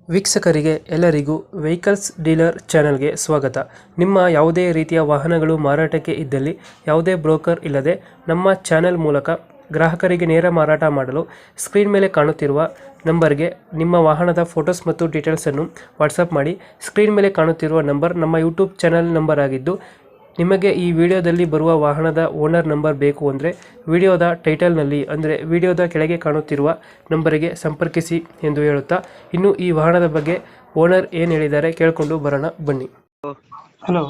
ವೀಕ್ಷಕರಿಗೆ ಎಲ್ಲರಿಗೂ vehicles dealer ಚಾನೆಲ್ಗೆ ಸ್ವಾಗತ. ನಿಮ್ಮ ಯಾವುದೇ ರೀತಿಯ ವಾಹನಗಳು ಮಾರಾಟಕ್ಕೆ ಇದ್ದಲ್ಲಿ ಯಾವುದೇ ಬ್ರೋಕರ್ ಇಲ್ಲದೆ ನಮ್ಮ ಚಾನೆಲ್ ಮೂಲಕ ಗ್ರಾಹಕರಿಗೆ ನೇರ ಮಾರಾಟ ಮಾಡಲು ಸ್ಕ್ರೀನ್ ಮೇಲೆ ಕಾಣುತ್ತಿರುವ ನಂಬರ್ಗೆ ನಿಮ್ಮ ವಾಹನದ ಫೋಟೋಸ್ ಮತ್ತು ಡೀಟೇಲ್ಸನ್ನು ವಾಟ್ಸಪ್ ಮಾಡಿ. ಸ್ಕ್ರೀನ್ ಮೇಲೆ ಕಾಣುತ್ತಿರುವ ನಂಬರ್ ನಮ್ಮ ಯೂಟ್ಯೂಬ್ ಚಾನೆಲ್ ನಂಬರ್ ಆಗಿದ್ದು, ನಿಮಗೆ ಈ ವಿಡಿಯೋದಲ್ಲಿ ಬರುವ ವಾಹನದ ಓನರ್ ನಂಬರ್ ಬೇಕು ಅಂದರೆ ವಿಡಿಯೋದ ಟೈಟಲ್ನಲ್ಲಿ ಅಂದರೆ ವಿಡಿಯೋದ ಕೆಳಗೆ ಕಾಣುತ್ತಿರುವ ನಂಬರಿಗೆ ಸಂಪರ್ಕಿಸಿ ಎಂದು ಹೇಳುತ್ತಾ, ಇನ್ನು ಈ ವಾಹನದ ಬಗ್ಗೆ ಓನರ್ ಏನು ಹೇಳಿದ್ದಾರೆ ಕೇಳಿಕೊಂಡು ಬರೋಣ ಬನ್ನಿ. ಹಲೋ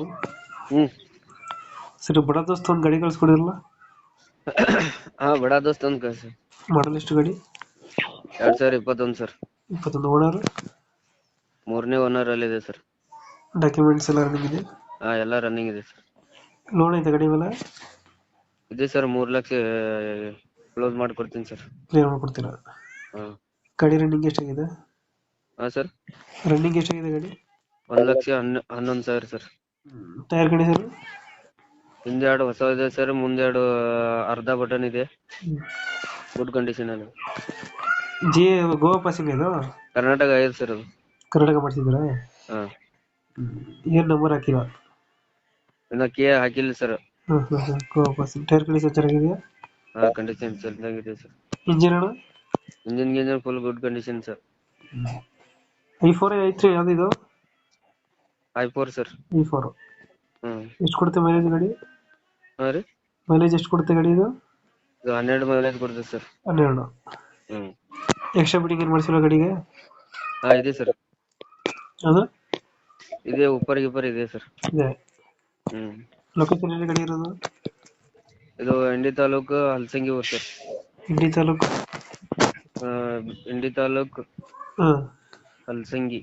ಸರ್, ಬಡ ದೋಸ್ತ ಒಂದು ಗಾಡಿ ಕಳಿಸ್ಕೊಡಿರಲ್ಲ? ಹಾ, ಬಡ ದೋಸ್ತ್ ಅಂತ ಕಳ್ಸಿ. ಮಾಡಲ್ ಎಷ್ಟು ಗಾಡಿ? 2021 ಸರ್. 21. ಓನರ್? ಮೂರನೇ ಓನರ್ ಅಲ್ಲಿ ಇದೆ ಸರ್. ಡಾಕ್ಯುಮೆಂಟ್ಸ್ ಎಲ್ಲ ರನ್ನಿಂಗ್ ಇದೆ? ಹಾ, ಎಲ್ಲ ರನ್ನಿಂಗ್ ಇದೆ ಸರ್. ಲೋನ್ ಐತೆ ಗಾಡಿ ಮೇಲೆ? ಇದೆ ಸರ್, 3 ಲಕ್ಷ ಕ್ಲೋಸ್ ಮಾಡ್ಕೊಡ್ತೀನಿ ಸರ್. ಕ್ಲಿಯರ್ ಮಾಡ್ಕೊಡ್ತೀರಾ? ಹಾ. ಗಾಡಿ ರನ್ನಿಂಗ್ ಎಷ್ಟಾಗಿದೆ? ಹಾ ಸರ್, ರನ್ನಿಂಗ್ ಎಷ್ಟಾಗಿದೆ ಗಾಡಿ? 1,11,000 ಸರ್. ಟೈರ್ ಗಾಡಿ ಸರ್? ಹಿಂದೆ 2 ಹೊಸ ಇದೆ ಸರ್, ಮುಂದೆ 2 ಅರ್ಧ ಬಟನ್ ಇದೆ. ಗುಡ್ ಕಂಡೀಷನ್ ಅಲ್ಲಿ. ಜಿ ಗೋವಾ ಪಾಸಿಂಗ್ ಇದು? ಕರ್ನಾಟಕ ಆಗಿದೆ ಸರ್ ಅದು. ಕರ್ನಾಟಕ ಮಾಡಿಸಿದ್ದೀರಾ? ಹಾ. ಏನ್ ನಂಬರ್ ಹಾಕಿಲ್ಲ? ಇನ್ನ ಕೇ ಹಾಕಿಲ್ಲ sir. Goa passing. Tyre condition ಚೆನ್ನಾಗಿದೆಯಾ? ಹಾ, ಕಂಡೀಷನ್ ಚೆನ್ನಾಗಿದೆ ಸರ್. ಇಂಜಿನ್ ಅಣ್ಣ? Engine full good condition sir. i4 i3 ಯಾವ್ದು? i4 sir. i4. ಹ್ಮ್. ಎಷ್ಟು ಕೊಡುತ್ತೆ ಮೈಲೇಜ್ ಗಾಡಿ? ಹಾ ರೀ, ಮೈಲೇಜ್ ಎಷ್ಟು ಕೊಡುತ್ತೆ ಗಾಡಿ ಇದು? ಇದು 12 ಮೈಲೇಜ್ ಕೊಡ್ತದೆ ಸರ್. 12. ಹ್ಮ್. ಎಕ್ಸ್ಟ್ರಾ ಬಿಟ್ಟಿಂಗ್ ಏನ್ ಮಾಡಿಸಿಲ್ಲ ಗಾಡಿಗೆ? ಹಾ, ಇದೆ ಸರ್. ಅದು ಇದೆ, ಉಪ್ಪರ್ ಗಿಪ್ಪರ್ ಇದೆ ಸರ್. ಇದೆ. ಹ್ಮ್. ಲೊಕೇಶನ್ ಎಲ್ಲಿ ಗಾಡಿ ಇರೋದು? ಇದು ಇಂಡಿ ತಾಲೂಕು ಹಲಸಂಗಿ ಊರು ಸರ್. ಇಂಡಿ ತಾಲೂಕು? ಆ, ಇಂಡಿ ತಾಲೂಕು ಹಾ. ಹಲಸಂಗಿ.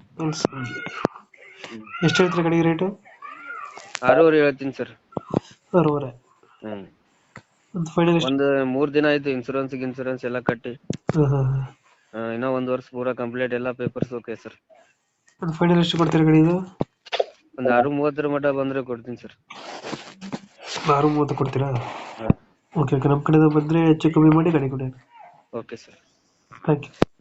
ಎಷ್ಟು ಹೇಳ್ತೀರಿ ಗಾಡಿಗೆ ರೇಟು? 6,500 ಹೇಳ್ತೀನಿ ಸರ್. 6,500. ಹ್ಮ್. ಒಂದು ಫೈನಲ್ ಎಷ್ಟು? ಒಂದು 3 ದಿನ ಆಯ್ತು ಇನ್ಸೂರೆನ್ಸ್ ಎಲ್ಲ ಕಟ್ಟಿ. ಇನ್ನ 1 ವರ್ಷ ಪೂರಾ ಕಂಪ್ಲೀಟ್ ಎಲ್ಲ ಪೇಪರ್ಸ್ ಓಕೆ ಸರ್. ಒಂದು ಫೈನಲ್ ಎಷ್ಟು ಕೊಡ್ತೀರಿ ಗಾಡಿ ಇದು? ಒಂದು 6:30 ಮಟ ಬಂದ್ರೆ ಕೊಡ್ತೀನಿ ಸರ್. 6:30 ಕೊಡ್ತೀರಾ? ಹಾ. ಓಕೆ ಓಕೆ, ನಮ್ಮ ಕಡೆಯಿಂದ ಬಂದರೆ ಹೆಚ್ಚು ಕಮ್ಮಿ ಮಾಡಿ ಗಾಡಿ ಕೊಡಿ. Okay sir. Thank you.